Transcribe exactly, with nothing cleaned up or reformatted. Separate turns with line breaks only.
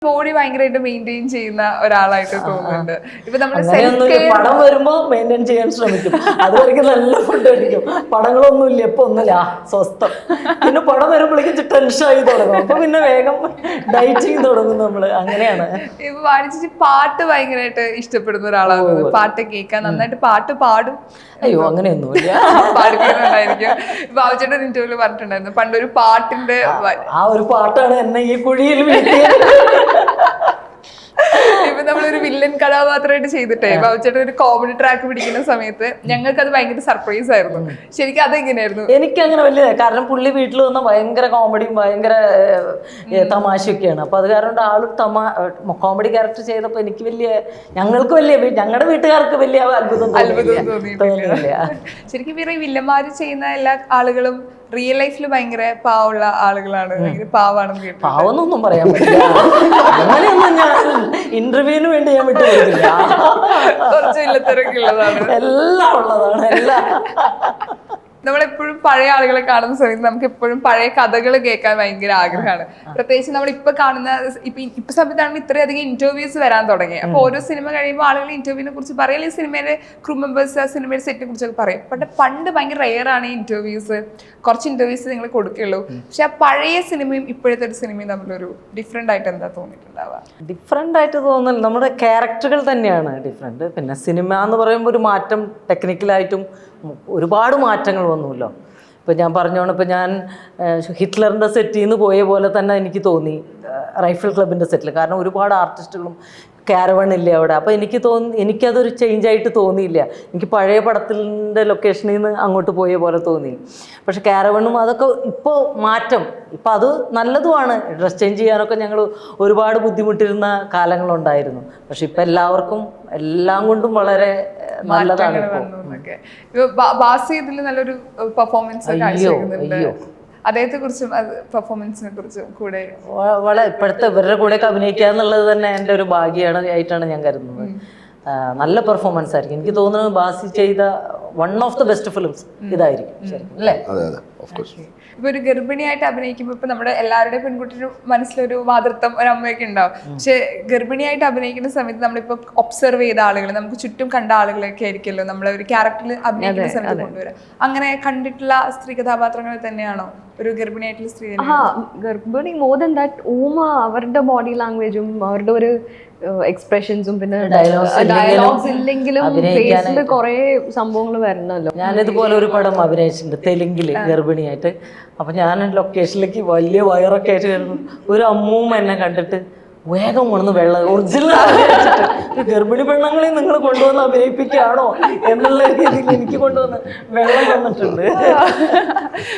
Body ഭയങ്കരമായിട്ട് maintain ചെയ്യുന്ന ഒരാളായിട്ട് തോന്നുന്നുണ്ട്. ഇപ്പൊ നമ്മള്
പടം വരുമ്പോ മെയിൻറ്റെയിൻ ചെയ്യാൻ ശ്രമിക്കും. അതുവരെയ്ക്ക് നല്ല ഫുഡ് കഴിക്കും. പടങ്ങളൊന്നും ഇല്ല, ഇപ്പൊ ഒന്നുമില്ല, സ്വസ്ഥം. പിന്നെ പടം വരുമ്പോഴേക്കും ടെൻഷനായി തുടങ്ങും. അപ്പൊ പിന്നെ വേഗം ഡയറ്റിങ് തുടങ്ങും നമ്മള്. അങ്ങനെയാണ്. ഇപ്പൊ
വാണിജ്യ പാട്ട് ഭയങ്കരമായിട്ട് ഇഷ്ടപ്പെടുന്ന ഒരാളാണ്. പാട്ട് കേൾക്കാൻ നന്നായിട്ട് പാട്ട് പാടും.
അയ്യോ അങ്ങനെയൊന്നുമില്ല,
പാടിക്കുന്നുണ്ടായിരിക്കും. ബാബുചേട്ടൻ ഇന്റർവ്യൂല് പറഞ്ഞിട്ടുണ്ടായിരുന്നു പണ്ടൊരു പാട്ടിന്റെ
ആ ഒരു പാട്ടാണ് എന്നെ ഈ കുഴിയിൽ വീഴ്ത്തിയത്.
ഇപ്പൊ നമ്മളൊരു വില്ലൻ കഥാപാത്രമായിട്ട് ചെയ്തിട്ടേ ബാബുചേട്ടൻ ഒരു കോമഡി ട്രാക്ക് പിടിക്കുന്ന സമയത്ത് ഞങ്ങൾക്ക് അത് ഭയങ്കര സർപ്രൈസ് ആയിരുന്നു. ശരിക്കും അതെങ്ങനെയായിരുന്നു?
എനിക്ക് അങ്ങനെ വലിയ, കാരണം പുള്ളി വീട്ടിൽ വന്ന ഭയങ്കര കോമഡിയും ഭയങ്കര തമാശയൊക്കെയാണ്. അപ്പൊ അത് കാരണം ആള് തമാ കോമഡി ക്യാരക്ടർ ചെയ്തപ്പോ എനിക്ക് വലിയ, ഞങ്ങൾക്ക് വലിയ, ഞങ്ങളുടെ വീട്ടുകാർക്ക് വലിയ അത്ഭുതം
അത്ഭുതം തോന്നിയിട്ടില്ല. ശരിക്കും ഈ വില്ലന്മാര് ചെയ്യുന്ന എല്ലാ ആളുകളും റിയൽ ലൈഫിൽ ഭയങ്കര പാവമുള്ള ആളുകളാണ്, ഭയങ്കര പാവാണെന്ന് കേട്ടു.
പാവെന്നൊന്നും പറയാൻ പറ്റില്ല, അങ്ങനെയൊന്നും ഞാൻ ഇന്റർവ്യൂവിന് വേണ്ടി ഞാൻ വിട്ടു കൊടുക്കില്ല.
കുറച്ച് വില്ലത്തിരൊക്കെ ഉള്ളതാണ്,
എല്ലാം ഉള്ളതാണ്, എല്ലാം.
നമ്മളെപ്പോഴും പഴയ ആളുകളെ കാണുന്ന സമയത്ത് നമുക്ക് എപ്പോഴും പഴയ കഥകൾ കേൾക്കാൻ ഭയങ്കര ആഗ്രഹമാണ്. പ്രത്യേകിച്ച് നമ്മൾ ഇപ്പൊ കാണുന്ന ഇപ്പൊ ഇപ്പൊ സമയത്താണെങ്കിൽ ഇത്രയധികം ഇന്റർവ്യൂസ് വരാൻ തുടങ്ങി. അപ്പൊ ഓരോ സിനിമ കഴിയുമ്പോൾ ആളുകൾ ഇന്റർവ്യൂവിനെ കുറിച്ച് പറയും, അല്ലെങ്കിൽ സിനിമയിലെ ക്രൂ മെമ്പേഴ്സ് ആ സിനിമയുടെ സെറ്റിനെ കുറിച്ചൊക്കെ പറയും. പക്ഷെ പണ്ട് ഭയങ്കര റെയർ ആണ് ഈ ഇന്റർവ്യൂസ്, കുറച്ച് ഇന്റർവ്യൂസ് നിങ്ങൾ കൊടുക്കുള്ളൂ. പക്ഷെ ആ പഴയ സിനിമയും ഇപ്പോഴത്തെ ഒരു സിനിമയും തമ്മിലൊരു ഡിഫറെന്റ് ആയിട്ട് എന്താ തോന്നിയിട്ടുണ്ടാവുക?
ഡിഫറെന്റ് ആയിട്ട് തോന്നുന്നില്ല, നമ്മുടെ ക്യാരക്ടറുകൾ തന്നെയാണ് ഡിഫറെന്റ്. പിന്നെ സിനിമ എന്ന് പറയുമ്പോൾ ഒരു മാറ്റം ടെക്നിക്കലായിട്ടും ഒരുപാട് മാറ്റങ്ങൾ വന്നുല്ലോ. ഇപ്പം ഞാൻ പറഞ്ഞോണം, ഇപ്പം ഞാൻ ഹിറ്റ്ലറിൻ്റെ സെറ്റിൽ നിന്ന് പോയ പോലെ തന്നെ എനിക്ക് തോന്നി റൈഫിൾ ക്ലബിൻ്റെ സെറ്റിൽ. കാരണം ഒരുപാട് ആർട്ടിസ്റ്റുകളും കാരവണില്ല അവിടെ. അപ്പോൾ എനിക്ക് തോന്നി, എനിക്കതൊരു ചേഞ്ച് ആയിട്ട് തോന്നിയില്ല. എനിക്ക് പഴയ പടത്തിൻ്റെ ലൊക്കേഷനിൽ നിന്ന് അങ്ങോട്ട് പോയ പോലെ തോന്നി. പക്ഷെ കാരവണും അതൊക്കെ ഇപ്പോൾ മാറ്റം, ഇപ്പം അത് നല്ലതുമാണ്. ഡ്രസ് ചേഞ്ച് ചെയ്യാനൊക്കെ ഞങ്ങൾ ഒരുപാട് ബുദ്ധിമുട്ടിരുന്ന കാലങ്ങളുണ്ടായിരുന്നു. പക്ഷെ ഇപ്പം എല്ലാവർക്കും എല്ലാം കൊണ്ടും വളരെ നല്ലതാണ്.
ബാസി ഇതിൽ നല്ലൊരു പെർഫോമൻസ് കാഴ്ചവെക്കുന്നുണ്ട്. അദ്ദേഹത്തെ കുറിച്ചും പെർഫോമൻസിനെ കുറിച്ചും കൂടെ
വളരെ ഇപ്പോഴത്തെ ഇവരുടെ കൂടെയൊക്കെ അഭിനയിക്കുക എന്നുള്ളത് തന്നെ എൻ്റെ ഒരു ഭാഗ്യമാണ് ആയിട്ടാണ് ഞാൻ കരുതുന്നത്. നല്ല പെർഫോമൻസ് ആയിരിക്കും. എനിക്ക് തോന്നുന്നത് ബാസി ചെയ്ത one of the best films ഇതായിരിക്കും ശരിക്കും, അല്ലേ?
ഇപ്പൊ ഒരു ഗർഭിണിയായിട്ട് അഭിനയിക്കുമ്പോൾ ഇപ്പൊ നമ്മുടെ എല്ലാവരുടെയും പെൺകുട്ടിയുടെ മനസ്സിലൊരു മാതൃത്വം ഒരു അമ്മയൊക്കെ ഉണ്ടാവും. പക്ഷെ ഗർഭിണിയായിട്ട് അഭിനയിക്കുന്ന സമയത്ത് നമ്മളിപ്പോ ഒബ്സർവ് ചെയ്ത ആളുകൾ, നമുക്ക് ചുറ്റും കണ്ട ആളുകളൊക്കെ ആയിരിക്കുമല്ലോ നമ്മളെ ഒരു ക്യാരക്ടറിൽ അഭിനയിക്കുന്ന സമയത്ത് കൊണ്ടുവരാം. അങ്ങനെ കണ്ടിട്ടുള്ള സ്ത്രീ കഥാപാത്രങ്ങൾ തന്നെയാണോ ഒരു ഗർഭിണിയായിട്ടുള്ള സ്ത്രീ?
ഗർഭിണി മോർ ദാൻ ദാറ്റ് ഊമ അവരുടെ ബോഡി ലാംഗ്വേജും അവരുടെ ഒരു എക്സ്പ്രഷൻസും പിന്നെ ഡയലോഗ്സ് ഇല്ലെങ്കിലും ഫേസിൽ കുറെ സംഭവങ്ങൾ വരണല്ലോ.
ഞാനിതുപോലെ ഒരു പടം അഭിനയിച്ചിട്ടുണ്ട് തെലുങ്കില് ഗർഭിണിയായിട്ട്. അപ്പൊ ഞാൻ ലൊക്കേഷനിലേക്ക് വലിയ വയറൊക്കെ ആയിട്ട് വരുന്നു. ഒരു അമ്മൂമ്മ എന്നെ കണ്ടിട്ട് വേഗം കൊണ്ടുവന്ന് വെള്ളം ഒറിജിനൽ ഗർഭിണി പെണ്ണുങ്ങളെ നിങ്ങൾ കൊണ്ടുവന്ന് അഭിനയിപ്പിക്കുകയാണോ എന്നുള്ള രീതിയിൽ എനിക്ക് കൊണ്ടുവന്ന് വെള്ളം വന്നിട്ടുണ്ട്.